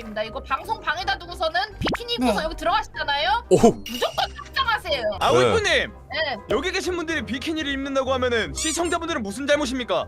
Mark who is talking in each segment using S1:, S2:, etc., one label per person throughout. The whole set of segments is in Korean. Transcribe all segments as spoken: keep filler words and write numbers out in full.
S1: 말씀드리겠습니다. 이거 방송 방에다 두고서는 비키니 입고서
S2: 네.
S1: 여기 들어가시잖아요.
S3: 오.
S1: 무조건 삭장하세요.
S4: 아
S3: 네.
S4: 우이프님
S1: 네.
S4: 여기 계신 분들이 비키니를 입는다고 하면은 시청자분들은 무슨 잘못입니까?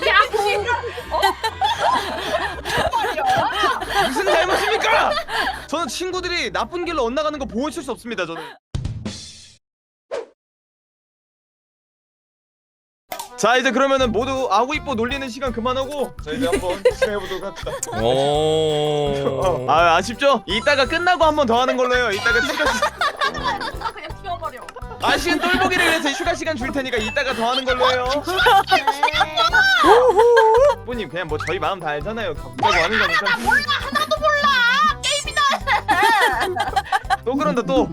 S4: 무슨 잘못입니까? 저는 친구들이 나쁜 길로 엇나가는 거 보고 있을 수 없습니다. 저는. 자 이제 그러면은 모두 아구이뽀 놀리는 시간 그만하고 자 이제 한번 시작해보도록 합시다.
S3: 오.
S4: 아 아쉽죠? 이따가 끝나고 한 번 더 하는 걸로 해요. 이따가 추가 시간
S1: 그냥 튀어버려.
S4: 아쉬운 똘보기를 위해서 추가 시간 줄 테니까 이따가 더 하는 걸로 해요. 부님 그냥 뭐 저희 마음 다 알잖아요. 가보자고 하는 거니까.
S1: 나 몰라 하나도 몰라. 게임이다.
S4: 또 그런다 또.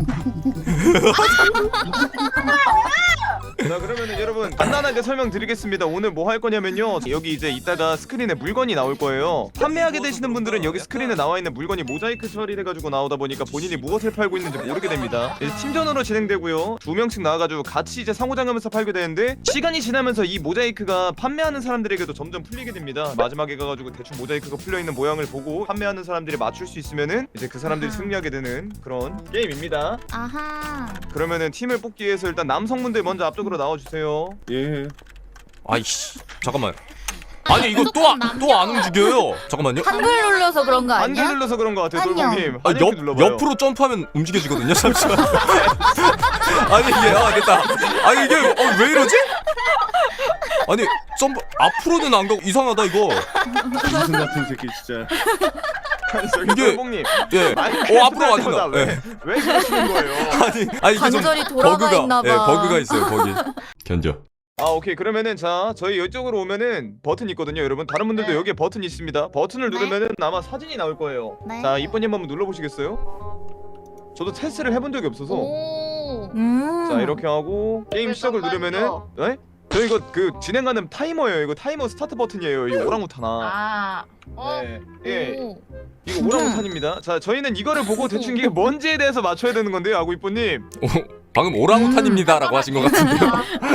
S4: 자 그러면은 여러분 간단하게 설명드리겠습니다. 오늘 뭐 할 거냐면요, 여기 이제 이따가 스크린에 물건이 나올 거예요. 판매하게 되시는 분들은 여기 스크린에 나와 있는 물건이 모자이크 처리돼가지고 나오다 보니까 본인이 무엇을 팔고 있는지 모르게 됩니다. 이제 팀전으로 진행되고요. 두 명씩 나와가지고 같이 이제 상호작용하면서 팔게 되는데, 시간이 지나면서 이 모자이크가 판매하는 사람들에게도 점점 풀리게 됩니다. 마지막에 가가지고 대충 모자이크가 풀려있는 모양을 보고 판매하는 사람들이 맞출 수 있으면은 이제 그 사람들이
S2: 아하.
S4: 승리하게 되는 그런 게임입니다.
S2: 아하.
S4: 그러면은 팀을 뽑기 위해서 일단 남성분들 먼저 앞쪽으로 나와주세요.
S5: 예.
S3: 아이씨. 잠깐만. 아니 이거 또 또 안 움직여요. 잠깐만요.
S2: 한글 눌러서 그런 거
S4: 안개
S2: 아니야?
S4: 눌러서 그런 것 같아요,
S2: 안녕.
S4: 돌봉님.
S3: 아,
S4: 안녕
S3: 옆
S4: 눌러봐요.
S3: 옆으로 점프하면 움직여지거든요. 잠시만. 아니 이게 아 됐다. 아니 이게 어, 왜 이러지? 아니 점프 앞으로는 안 가고 이상하다 이거.
S5: 무슨 같은 새끼 진짜.
S4: 아니, 저기
S3: 이게-
S4: 돌봉님.
S3: 예.
S4: 마이크에
S3: 어 앞으로
S4: 들어갈 때마다
S3: 가진다.
S4: 왜,
S3: 예.
S4: 왜 그러시는 거예요?
S3: 아니 아니 이게 좀
S2: 관절이 돌아가
S3: 버그가
S2: 있나 봐.
S3: 예 버그가 있어요 거기. 견뎌.
S4: 아 오케이 그러면은 자 저희 이쪽으로 오면은 버튼 있거든요 여러분. 다른 분들도
S1: 네.
S4: 여기에 버튼이 있습니다. 버튼을
S2: 네.
S4: 누르면은 아마 사진이 나올 거예요.
S2: 네.
S4: 자 이쁜님 한번 눌러보시겠어요? 저도 테스트를 해본 적이 없어서.
S1: 오.
S2: 음.
S4: 자 이렇게 하고 게임 시작을 누르면은 네? 저 이거 그 진행하는 타이머예요. 이거 타이머 스타트 버튼이에요. 이거 오랑우탄아.
S1: 아. 어.
S4: 네. 예.
S1: 오.
S4: 이거 오랑우탄입니다. 자 저희는 이거를 보고 대충 이게 뭔지에 대해서 맞춰야 되는 건데요, 아구이뽀님.
S3: 어, 방금 오랑우탄입니다라고 하신 것 같은데요.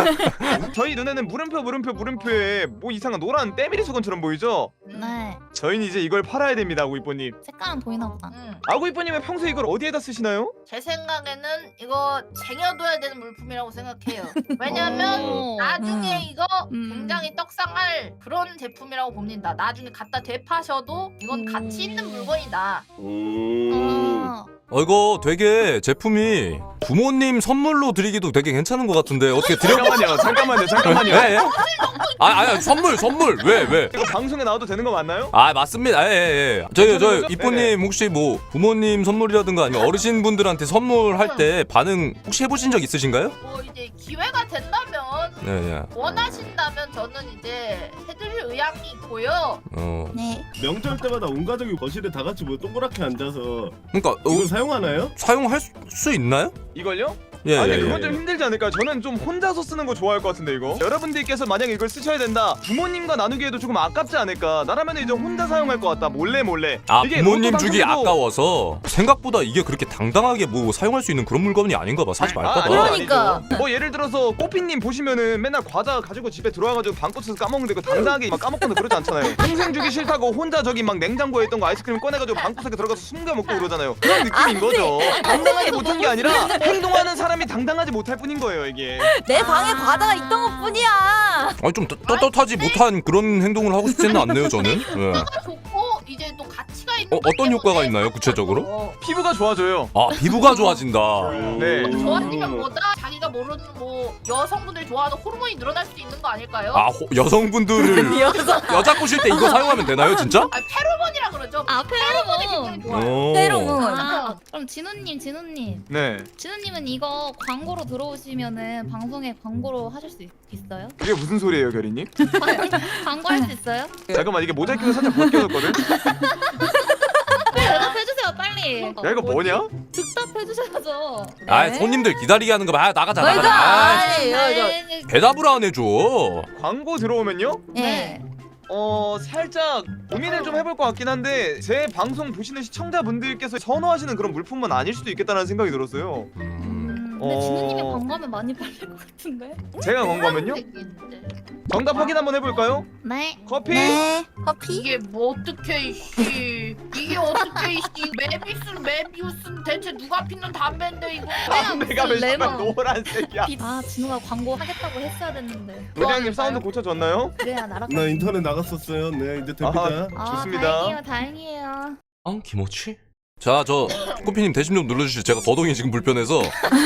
S4: 저희 눈에는 물음표 물음표 물음표에 뭐 이상한 노란 때밀이 수건처럼 보이죠?
S2: 네.
S4: 저희는 이제 이걸 팔아야 됩니다, 아구이뽀님.
S2: 색깔은 보이나 보다.
S1: 음.
S4: 아구이뽀님은 평소에 이걸 어디에다 쓰시나요?
S1: 제 생각에는 이거 쟁여둬야 되는 물품이라고 생각해요. 왜냐면
S2: 어.
S1: 나중에
S2: 음.
S1: 이거
S2: 음.
S1: 굉장히 떡상할 그런 제품이라고 봅니다. 나중에 갖다 되파셔도 이건
S2: 음.
S1: 가치 있는 물건이다.
S5: 음.
S2: 아.
S3: 어 이거 되게 제품이 부모님 선물로 드리기도 되게 괜찮은 것 같은데 어떻게 드려?
S4: 잠깐만요, 잠깐만요, 잠깐만요.
S3: 예, 예? 아, 아니 선물 선물 왜 왜?
S4: 이거 방송에 나와도 되는 거 맞나요?
S3: 아 맞습니다. 예예 예. 저희
S4: 괜찮은
S3: 저희
S4: 거죠?
S3: 이쁜님 혹시 뭐 부모님 선물이라든가 아니면 어르신 분들한테 선물할 때 반응 혹시 해보신 적 있으신가요?
S1: 뭐 이제 기회가 된다면
S3: 네, 예.
S1: 원하신다면 저는 이제 해드릴 의향이 있고요.
S3: 어,
S2: 네.
S5: 명절 때마다 온 가족이 거실에 다 같이 뭐 동그랗게 앉아서
S3: 그러니까 어,
S5: 이걸 사용하나요?
S3: 사용할 수, 수 있나요?
S4: 이걸요?
S3: 예,
S4: 아니
S3: 예,
S4: 그건
S3: 예.
S4: 좀 힘들지 않을까요? 저는 좀 혼자서 쓰는 거 좋아할 것 같은데 이거. 여러분들께서 만약에 이걸 쓰셔야 된다, 부모님과 나누기에도 조금 아깝지 않을까. 나라면 이제 혼자 사용할 것 같다, 몰래 몰래.
S3: 아
S4: 이게
S3: 부모님
S4: 로또
S3: 주기
S4: 방송에도-
S3: 아까워서 생각보다 이게 그렇게 당당하게 뭐 사용할 수 있는 그런 물건이 아닌가 봐. 사지 말까
S4: 아,
S3: 봐.
S4: 아니요,
S2: 그러니까.
S4: 아니죠. 뭐 예를 들어서 꼬피님 보시면은 맨날 과자 가지고 집에 들어와가지고 방꽃에서 까먹는데 그 당당하게 막 까먹거나 그러지 않잖아요. 평생 주기 싫다고 혼자 저기 막 냉장고에 있던 거 아이스크림 꺼내가지고 방구석에 들어가서 숨겨 먹고 그러잖아요. 그런 느낌인 거죠. 당당하지 못한 게 아니라 행동하는 사람이 당당하지 못할 뿐인 거예요 이게.
S2: 내 방에 과자가 있던 것뿐이야.
S3: 아니 좀 떳- 떳떳하지 못한 그런 행동을 하고 싶지는 않네요 저는. 예.
S1: 효과가 좋고 이제 또 가치가 있는.
S3: 어, 어떤
S1: 거기
S3: 효과가
S1: 때문에
S3: 있나요, 구체적으로?
S1: 어,
S4: 피부가 좋아져요.
S3: 아 피부가 좋아진다.
S4: 네.
S1: 좋아지면 뭐다 자기가 모르는 뭐 여성분들 좋아하는 호르몬이 늘어날 수도 있는 거 아닐까요?
S3: 아 호, 여성분들을
S2: 여성.
S3: 여자 꼬실 때 이거 사용하면 되나요 진짜?
S1: 아 페로몬이라 그러죠.
S2: 아
S1: 페로몬이
S2: 페로몬.
S1: 굉장히 좋아요.
S3: 오.
S2: 페로몬.
S6: 아, 그럼 진우님, 진우님,
S4: 네.
S6: 진우님은 이거 광고로 들어오시면은 방송에 광고로 하실 수 있, 있어요?
S4: 그게 무슨 소리예요 결이님?
S6: 광고할 수 있어요?
S4: 잠깐만 이게 모자이크가 살짝 벗겨졌거든?
S6: 대답해주세요, 빨리.
S4: 야 이거 뭐냐?
S6: 득답해주셔야죠.
S3: 아 손님들 기다리게 하는 거 봐. 아, 나가자
S2: 맞아.
S3: 나가자. 아,
S2: 아니, 이거, 이거.
S6: 네,
S3: 대답을 안 해줘.
S4: 광고 들어오면요?
S2: 예.
S4: 어 살짝 고민을 좀 해볼 것 같긴 한데, 제 방송 보시는 시청자분들께서 선호하시는 그런 물품은 아닐 수도 있겠다는 생각이 들었어요.
S3: 음.
S6: 근데
S4: 어.
S6: 진우님이 광고하면 많이 팔릴 것 같은데.
S4: 제가 광고하면요? 정답 확인 한번 해볼까요?
S6: 네.
S4: 커피?
S2: 네. 커피?
S1: 이게 뭐 어떻게 이씨 이게 어떻게 이씨 메비스 메비우스는 대체 누가 피는 담배인데 이거
S4: 담배가 왜
S6: 레몬.
S4: 정말 노란색이야?
S6: 아 진우가 광고 하겠다고 했어야 됐는데.
S4: 부장님 사운드 고쳐졌나요?
S6: 그래야 나랑.
S5: 나 인터넷 나갔었어요. 네 이제 됩니다.
S6: 아,
S4: 좋습니다.
S6: 다행이에요, 다행이에요.
S3: 아 김어치? 자, 저 꼬피님 대신 좀 눌러주시죠. 제가 거동이 지금 불편해서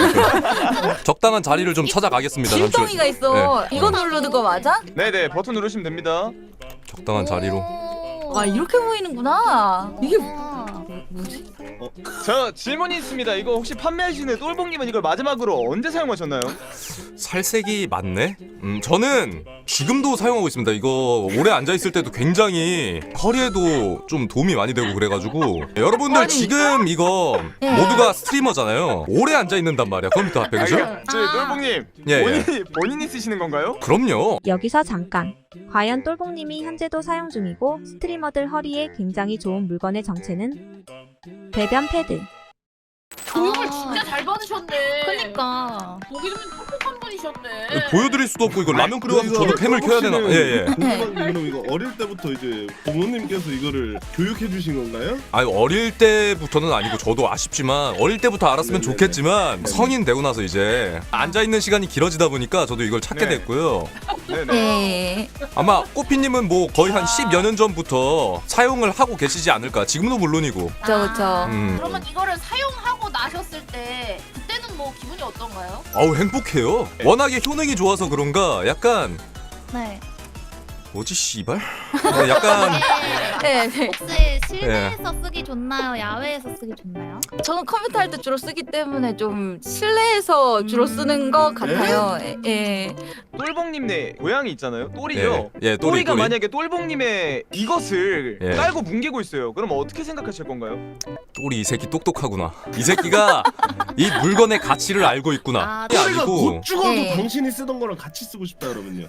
S3: 적당한 자리를 좀 찾아가겠습니다.
S2: 길덩이가 있어. 이거 누르는 거 맞아?
S4: 네네 버튼 누르시면 됩니다.
S3: 적당한 자리로.
S6: 오.
S2: 아 이렇게 보이는구나. 이게
S6: 아.
S2: 뭐지?
S4: 저 질문이 있습니다. 이거 혹시 판매하시는 똘봉님은 이걸 마지막으로 언제 사용하셨나요?
S3: 살색이 맞네? 음, 저는 지금도 사용하고 있습니다. 이거 오래 앉아있을 때도 굉장히 허리에도 좀 도움이 많이 되고 그래가지고 여러분들
S2: 아니.
S3: 지금 이거
S2: 예.
S3: 모두가 스트리머잖아요. 오래 앉아있는단 말이야, 컴퓨터 앞에. 그죠?
S4: 아, 저 똘봉님
S3: 예, 예.
S4: 본인이 본인이 쓰시는 건가요?
S3: 그럼요.
S7: 여기서 잠깐. 과연 똘봉님이 현재도 사용 중이고 스트리머들 허리에 굉장히 좋은 물건의 정체는 배변 패드.
S1: 교육을
S6: 아.
S1: 진짜 잘 받으셨네.
S6: 그니까.
S1: 보기 드문 똑똑한 분이셨네.
S3: 보여드릴 수도 없고 이거 라면 끓여가서
S5: 이거
S3: 저도 캠을 켜야 되나?
S5: 혹시는
S3: 예예.
S5: 궁금한 게 그럼 이거 어릴 때부터 이제 부모님께서 이거를 교육해 주신 건가요?
S3: 아니 어릴 때부터는 아니고 저도 아쉽지만 어릴 때부터 알았으면
S5: 네네네.
S3: 좋겠지만 성인 되고 나서 이제 앉아 있는 시간이 길어지다 보니까 저도 이걸 찾게
S4: 네.
S3: 됐고요.
S4: 네네.
S2: 네.
S3: 아마 꼬피님은 뭐 거의 한 십여 년 전부터 사용을 하고 계시지 않을까. 지금도 물론이고.
S2: 그쵸 그쵸.
S3: 음.
S1: 그러면 이거를 사용하고 나셨을 때 그때는 뭐 기분이 어떤가요?
S3: 아우 행복해요. 워낙에 효능이 좋아서 그런가 약간
S6: 네.
S3: 뭐지 씨발? 네, 약간
S2: 네, 네.
S6: 혹시 실내에서 쓰기 좋나요? 야외에서 쓰기 좋나요?
S2: 저는 컴퓨터 할 때 주로 쓰기 때문에 좀 실내에서 주로 쓰는 것 같아요. 예. 예.
S4: 똘봉님네 고양이 있잖아요. 똘이죠.
S3: 예, 예 또리
S4: 똘이가
S3: 또리.
S4: 만약에 똘봉님의 이것을
S3: 예.
S4: 깔고 뭉개고 있어요. 그럼 어떻게 생각하실 건가요?
S3: 또리 이 새끼 똑똑하구나. 이 새끼가 이 물건의 가치를 알고 있구나.
S6: 아,
S3: 이게
S5: 또리가
S3: 아니고
S5: 곧 죽어도
S2: 네.
S5: 당신이 쓰던 거랑 같이 쓰고 싶다 그러면요.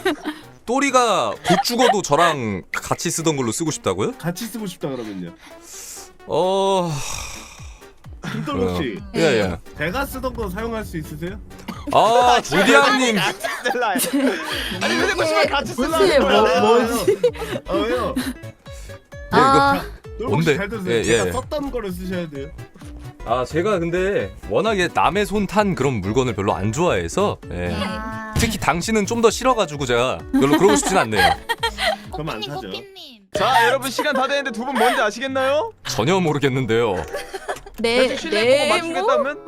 S3: 또리가 곧 죽어도 저랑 같이 쓰던 걸로 쓰고 싶다고요?
S5: 같이 쓰고 싶다 그러면요.
S3: 어...
S5: 김돌복 씨,
S3: 예, 예.
S5: 제가 쓰던 거 사용할 수 있으세요?
S3: 아, 조디앙님.
S4: 같이 쓸라. 아니 근데 그 씨발 같이
S2: 무슨
S4: 쓸라.
S2: 뭐-
S5: 뭐지? 아 왜요?
S2: 아,
S5: 돌복
S3: 뭔데?
S5: 씨 잘 들으세요.
S3: 예,
S5: 제가
S3: 예.
S5: 썼던 거를 쓰셔야 돼요.
S3: 아, 제가 근데 워낙에 남의 손 탄 그런 물건을 별로 안 좋아해서 예.
S6: 아.
S3: 특히 당신은 좀 더 싫어가지고 제가 별로 그러고 싶진 않네요.
S5: 그럼 안
S6: 꼬피님,
S5: 사죠.
S6: 꼬피님.
S4: 자 여러분 시간 다 됐는데 두 분 뭔지 아시겠나요?
S3: 전혀 모르겠는데요.
S2: 네,
S4: 대충 실내 보고
S2: 네, 뭐
S4: 맞추겠다면?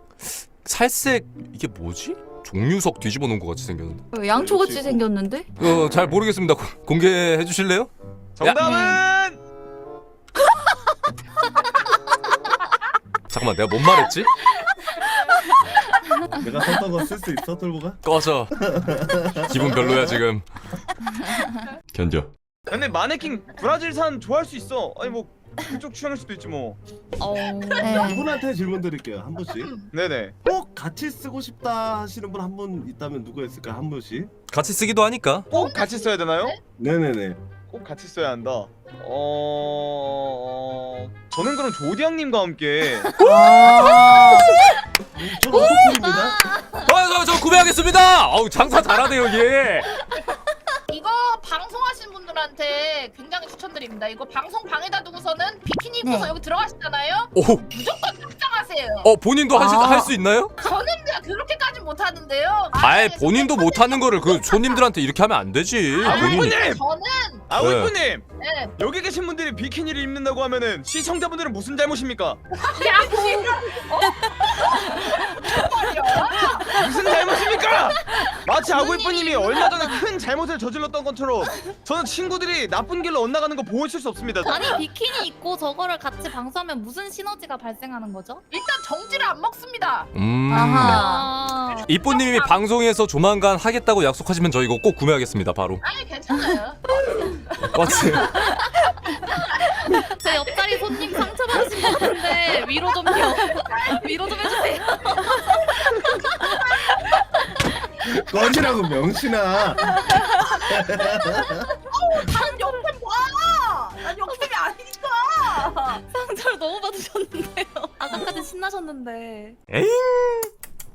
S3: 살색 이게 뭐지? 종류석 뒤집어 놓은 것 같이 생겼는데.
S2: 뭐 양초같이 생겼는데?
S3: 어, 잘 모르겠습니다. 고- 공개해 주실래요?
S4: 정답은
S3: 잠깐만, 내가 뭔 말했지?
S5: 내가 썼던 거 쓸 수 있어, 돌복아?
S3: 꺼져. 기분 별로야 지금. 견뎌.
S4: 근데 마네킹 브라질산 좋아할 수 있어. 아니 뭐 그쪽 취향일 수도 있지 뭐.
S6: 어.
S2: 네.
S5: 이분한테 질문 드릴게요, 한 분씩.
S4: 네네.
S5: 꼭 같이 쓰고 싶다 하시는 분 한 분 있다면 누가 있을까, 한 분씩?
S3: 같이 쓰기도 하니까.
S4: 꼭 같이 써야 되나요?
S5: 네네네.
S4: 꼭 같이 써야 한다. 어... 저는 그럼 조디앙님과 함께
S2: 아,
S5: 저도 오토콜입니다.
S3: 아, 저, 저 구매하겠습니다. 어우, 장사 잘하네 여기.
S1: 이거 방송하신 분들한테 굉장히 추천드립니다. 이거 방송 방에다 두고서는 비키니 입고서
S2: 네.
S1: 여기 들어가시잖아요.
S3: 오,
S1: 무조건 탑장하세요.
S3: 어 본인도
S2: 아.
S3: 할 수 있나요?
S1: 저는 그냥 그렇게까지 못하는데요.
S3: 아예 본인도 못하는 거를 그 손님들한테 이렇게 하면 안 되지.
S4: 아,
S3: 본인이.
S4: 윗분님!
S1: 저는
S4: 아
S3: 네.
S4: 윗분님!
S1: 네.
S4: 여기 계신 분들이 비키니를 입는다고 하면은 시청자분들은 무슨 잘못입니까? 무슨 잘못입니까? 마치 아구이뽀님이 얼마 전에 큰 잘못을 저질렀던 것처럼 저는 친구들이 나쁜 길로 엇나가는 거 보고 있을 수 없습니다.
S6: 아니 비키니 입고 저거를 같이 방송하면 무슨 시너지가 발생하는 거죠?
S1: 일단 정지를 안 먹습니다.
S3: 음.
S2: 아하.
S6: 아.
S3: 이뽀님이 방송에서 조만간 하겠다고 약속하시면 저 이거 꼭 구매하겠습니다 바로.
S1: 아니 괜찮아요.
S3: 맞지?
S6: 제 옆자리 손님 상처받으신 것 같은데 위로 좀요. 위로 좀 해주세요.
S5: 꺼지라고 명신아.
S1: 난 역캠 봐. 난 역캠이 아니니까.
S6: 상처를 너무 받으셨는데요. 아까까지 신나셨는데.
S3: 에잉.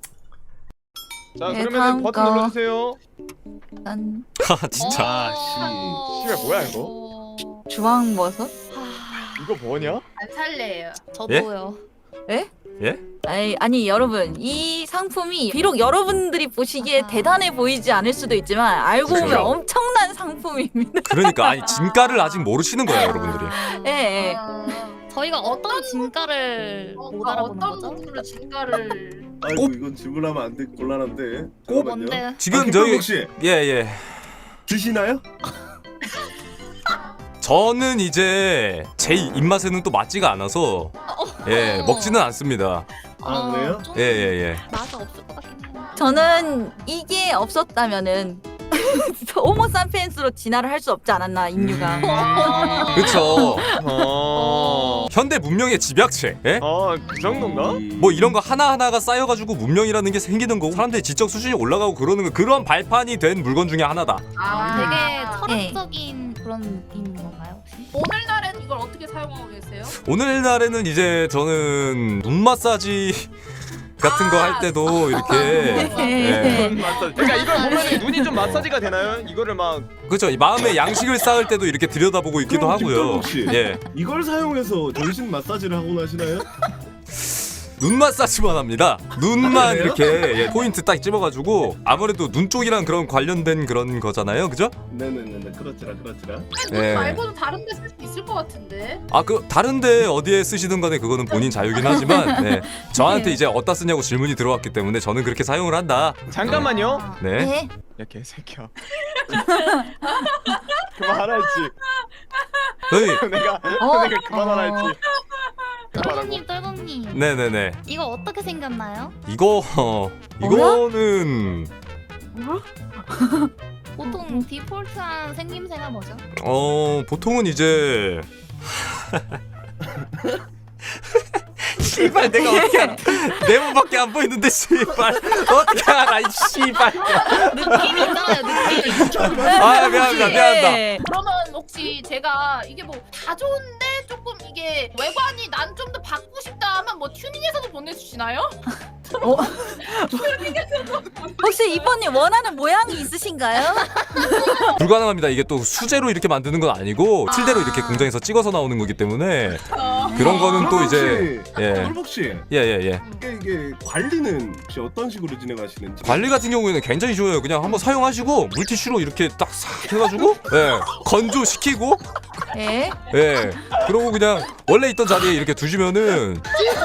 S4: 자
S2: 네,
S4: 그러면
S2: 다음
S4: 버튼
S2: 거.
S4: 눌러주세요.
S2: 난
S3: 아 진짜.
S5: 아,
S4: 씨발, 뭐야, 이거?
S6: 어...
S2: 주황버섯?
S4: 이거 뭐냐?
S1: 안 살래요.
S6: 저도요.
S2: 아니, 아니 여러분 이 상품이 비록 여러분들이 보시기에
S6: 아하.
S2: 대단해 보이지 않을 수도 있지만 알고 보면
S3: 그죠.
S2: 엄청난 상품입니다.
S3: 그러니까 아니 진가를 아직 모르시는 거예요 여러분들이.
S2: 예, 예.
S1: 어,
S6: 저희가 어떤 진가를
S1: 어,
S6: 못 알아보는
S1: 어떤
S6: 거죠?
S1: 부분으로 진가를
S5: 아이고
S3: 꼭-
S5: 이건 질문하면 안 돼. 곤란한데.
S3: 꼭
S5: 잠깐만요.
S6: 뭔데?
S3: 지금
S5: 아,
S3: 저희
S5: 김병국 씨
S3: 예예.
S5: 드시나요?
S3: 저는 이제 제 입맛에는 또 맞지가 않아서 예 먹지는 않습니다.
S5: 아, 그래요?
S6: 좀
S3: 예예 예.
S6: 맛이 없을 것 같긴 해요.
S2: 저는 이게 없었다면은 호모사피엔스로 진화를 할 수 없지 않았나 인류가.
S3: 음. 그쵸.
S4: 어...
S3: 현대 문명의 집약체. 예?
S4: 아그 정도인가?
S3: 뭐 이런 거 하나 하나가 쌓여가지고 문명이라는 게 생기는 거고 사람들이 지적 수준이 올라가고 그러는 거 그런 발판이 된 물건 중에 하나다.
S1: 아,
S6: 되게
S2: 네.
S6: 철학적인 그런 느낌인 건가요 혹시?
S1: 오늘날엔 이걸 어떻게 사용하고 계세요?
S3: 오늘날에는 이제 저는 눈 마사지 같은 거 할 때도 이렇게 예.
S4: 눈 마사지. 그러니까 이걸 보면 눈이 좀 마사지가 되나요? 이거를 막
S3: 그렇죠. 이 마음의 양식을 쌓을 때도 이렇게 들여다보고 있기도
S5: 그럼
S3: 하고요.
S5: 김동국 씨.
S3: 예.
S5: 이걸 사용해서 정신 마사지를 하고 나시나요?
S3: 눈 마사지만 합니다. 눈만
S5: 그래요?
S3: 이렇게 예, 포인트 딱 집어가지고 아무래도 눈 쪽이랑 그런 관련된 그런 거잖아요, 그죠?
S5: 네네네네 그렇지라 그렇지라.
S1: 눈
S3: 예.
S1: 말고도 다른 데 쓸 수 있을 것 같은데.
S3: 아 그 다른데 어디에 쓰시든 간에 그거는 본인 자유긴 하지만 네. 저한테
S2: 네.
S3: 이제 어디다 쓰냐고 질문이 들어왔기 때문에 저는 그렇게 사용을 한다.
S4: 잠깐만요.
S6: 아,
S3: 네.
S2: 네.
S4: 야 개새끼야. 그만하라 했지.
S3: 저희
S4: 내가
S2: 어?
S4: 내가 그만하라 했지. 그만하라고.
S6: 떨공님 떨공님
S3: 네네네.
S6: 이거 어떻게 생겼나요?
S3: 이거 어, 이거는
S6: 보통 디폴트한 생김새가 뭐죠?
S3: 어 보통은 이제 씨발 내가 어떻게 알아? 내 몸밖에 안 보이는데 씨발 어떻게 알아 이 씨발.
S6: 느낌이 있잖아요 느낌.
S3: 아 미안합니다 미안합니다.
S2: 예.
S1: 그러면 혹시 제가 이게 뭐 다 좋은데 조금 이게 외관이 난 좀 더 바꾸고 싶다 하면 뭐 튜닝해서도 보내주시나요?
S2: 어? 혹시 이번님 원하는 모양이 있으신가요?
S3: 불가능합니다. 이게 또 수제로 이렇게 만드는 건 아니고 실대로 이렇게 공장에서 찍어서 나오는 거기 때문에 그런 거는 또 이제 예.
S5: 똘복 씨
S3: 예예예 예, 예.
S5: 이게, 이게 관리는 혹시 어떤 식으로 진행하시는지?
S3: 관리 같은 경우에는 굉장히 쉬워요. 그냥 한번 사용하시고 물티슈로 이렇게 딱 싹 해가지고 예 건조시키고
S2: 예.
S3: 예 그러고 그냥 원래 있던 자리에 이렇게 두시면은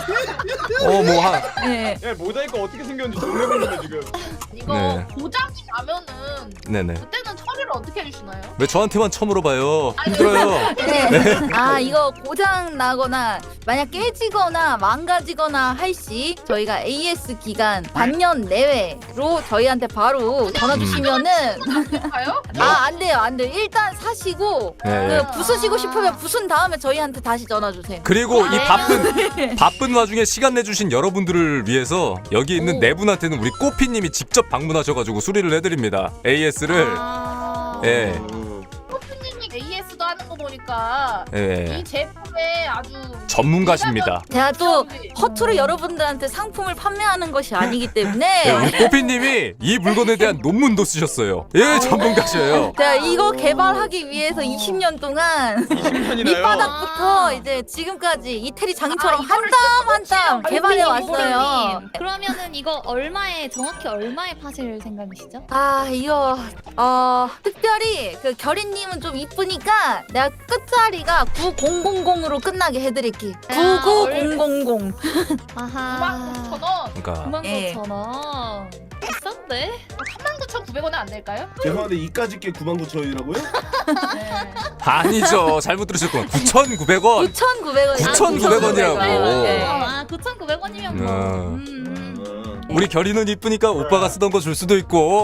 S3: 어 뭐 한
S2: 예.
S4: 야 모자이크 어떻게 생겼는지 존나 궁금해 지금.
S1: 이거
S3: 네.
S1: 고장이 나면은
S3: 네네
S1: 그때는 처리를 어떻게 해주시나요?
S3: 왜 저한테만 처음 물어봐요. 힘들어요.
S2: 네. 아 이거 고장 나거나 만약 깨지거나 망가지거나 할 시 저희가 에이에스 기간 반년 내외로 저희한테 바로 전화 주시면은
S1: 가요?
S2: 아 안 돼요 안 돼요 일단 사시고
S3: 예, 예.
S2: 그 부수시고 싶으면 부순 다음에 저희한테 다시 전화 주세요.
S3: 그리고 이
S2: 네.
S3: 바쁜 바쁜 와중에 시간 내주신 여러분들을 위해서 여기 있는
S2: 오.
S3: 네 분한테는 우리 꼬피님이 직접 방문하셔가지고 수리를 해드립니다. 에이에스를
S6: 아...
S3: 예.
S1: 코피님이 에이에스도 하는 거 보니까
S3: 예.
S1: 이 제품에 아주
S3: 전문가십니다.
S2: 제가 또
S1: 우리.
S2: 허투루 여러분들한테 상품을 판매하는 것이 아니기
S3: 예,
S2: 때문에
S3: 우리 꼬피님이 이 물건에 대한 논문도 쓰셨어요. 예, 전문가셔요.
S2: 제가 이거 개발하기 위해서 이십 년 동안
S4: 이십 년이나요?
S2: 밑바닥부터 이제 지금까지 이태리 장인처럼
S1: 아,
S2: 한
S1: 이거를
S2: 땀 한 땀 개발해 왔어요.
S6: 고객님, 그러면은 이거 얼마에 정확히 얼마에 파실 생각이시죠?
S2: 아 이거 어 특별히 그 결이님은 좀 이쁘니까 내가 끝자리가 구천으로 끝나게 해드릴게.
S6: 아,
S2: 구구공공공.
S6: 아하.
S1: 구만 구천 원,
S3: 그러니까
S6: 구만
S2: 예.
S6: 구천 원. 비싼데?
S1: 삼만 구천구백 원에 안 될까요?
S5: 죄송한데 이까짓 게 구만 구천이라고요?
S1: 네.
S3: 아니죠. 잘못 들으셨구나. 구천구백 원.
S2: 구천구백 원.
S3: 구천구백 원이라고.
S2: 네.
S6: 아, 구천구백 원이면 뭐.
S3: 음.
S6: 음.
S5: 어.
S3: 우리 결이는 이쁘니까 오빠가 쓰던 거 줄 수도 있고.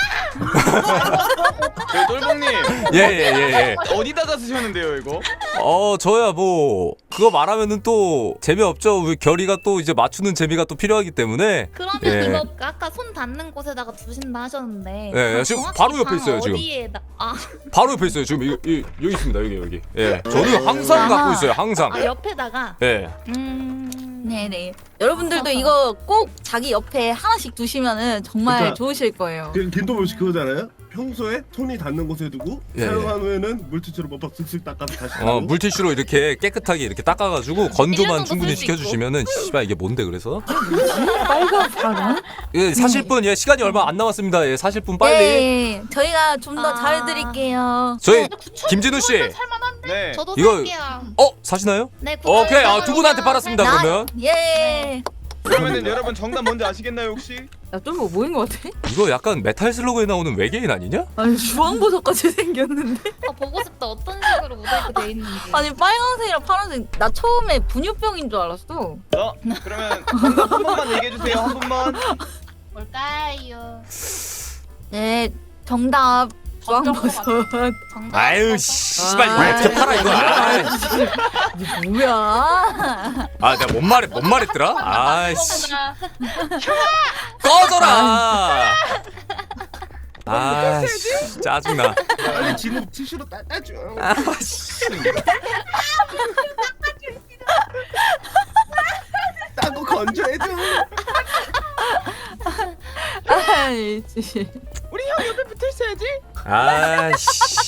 S4: 네, 똘봉님
S3: 예예예 예, 예.
S4: 어디다가 쓰셨는데요 이거?
S3: 어 저야 뭐 그거 말하면은 또 재미없죠. 우리 결이가 또 이제 맞추는 재미가 또 필요하기 때문에.
S6: 그러면
S3: 예.
S6: 이거 아까 손 닿는 곳에다가 두신다 하셨는데.
S3: 예,
S6: 방
S3: 지금
S6: 정확히
S3: 바로 옆에
S6: 방
S3: 있어요, 지금.
S6: 어디에다? 아,
S3: 바로 옆에 있어요. 지금 이, 이, 여기 있습니다. 여기 여기. 예. 저는 항상
S2: 아하.
S3: 갖고 있어요. 항상.
S6: 아 옆에다가.
S3: 예.
S6: 음.
S2: 네네. 여러분들도 이거 꼭 자기 옆에 하나씩 두시면은 정말
S5: 그러니까
S2: 좋으실 거예요.
S5: 그 김도범 씨 그거잖아요. 평소에 손이 닿는 곳에 두고
S3: 예,
S5: 사용한 후에는 물티슈로 빡빡 쓱쓱 닦아서 다시
S3: 어
S5: 닦고.
S3: 물티슈로 이렇게 깨끗하게 이렇게 닦아가지고 건조만
S1: 정도
S3: 충분히
S1: 쓸수 있고.
S3: 시켜주시면은 씨발 이게 뭔데 그래서
S2: 빨간 사람?
S3: 예, 사실 분 예, 시간이 얼마 안 남았습니다. 예, 사실 분 빨리
S2: 네, 저희가 좀 더
S6: 아.
S2: 잘해드릴게요.
S3: 저희
S1: 근데 구천
S3: 김진우 씨.
S1: 살만한데.
S4: 네.
S6: 저도
S3: 이거-
S6: 살게요.
S3: 어 사시나요?
S6: 네.
S3: 오케이 아, 두 분한테 팔았습니다
S2: 나-
S3: 그러면.
S2: 예.
S4: 그러면은 여러분 정답 뭔지 아시겠나요 혹시?
S2: 야, 좀 뭐인 것 같아?
S3: 이거 약간 메탈 슬로그에 나오는 외계인 아니냐?
S2: 아니 주황보석같이 생겼는데?
S6: 아, 보고 싶다. 어떤 식으로 모자이크 돼 있는지.
S2: 아니 빨간색이랑 파란색 나 처음에 분유병인 줄 알았어.
S4: 자 그러면 정답 한 번만 얘기해 주세요 한 번만.
S1: 뭘까요?
S2: 네, 정답 주황보석.
S6: 정답.
S3: 아유 씨발 이거
S2: 아,
S3: 어떻게 팔아 이거. 아,
S2: 이게 뭐야?
S3: 아 내가 뭔 말했 뭔 말했더라? 아씨
S1: 나
S3: 꺼져라. 아씨 짜증나.
S5: 빨리 진우 티슈로 닦아줘. 닦고 건조해줘.
S2: 아이, 씨.
S4: 우리 형 옆에 붙어 있어야지.
S3: 아씨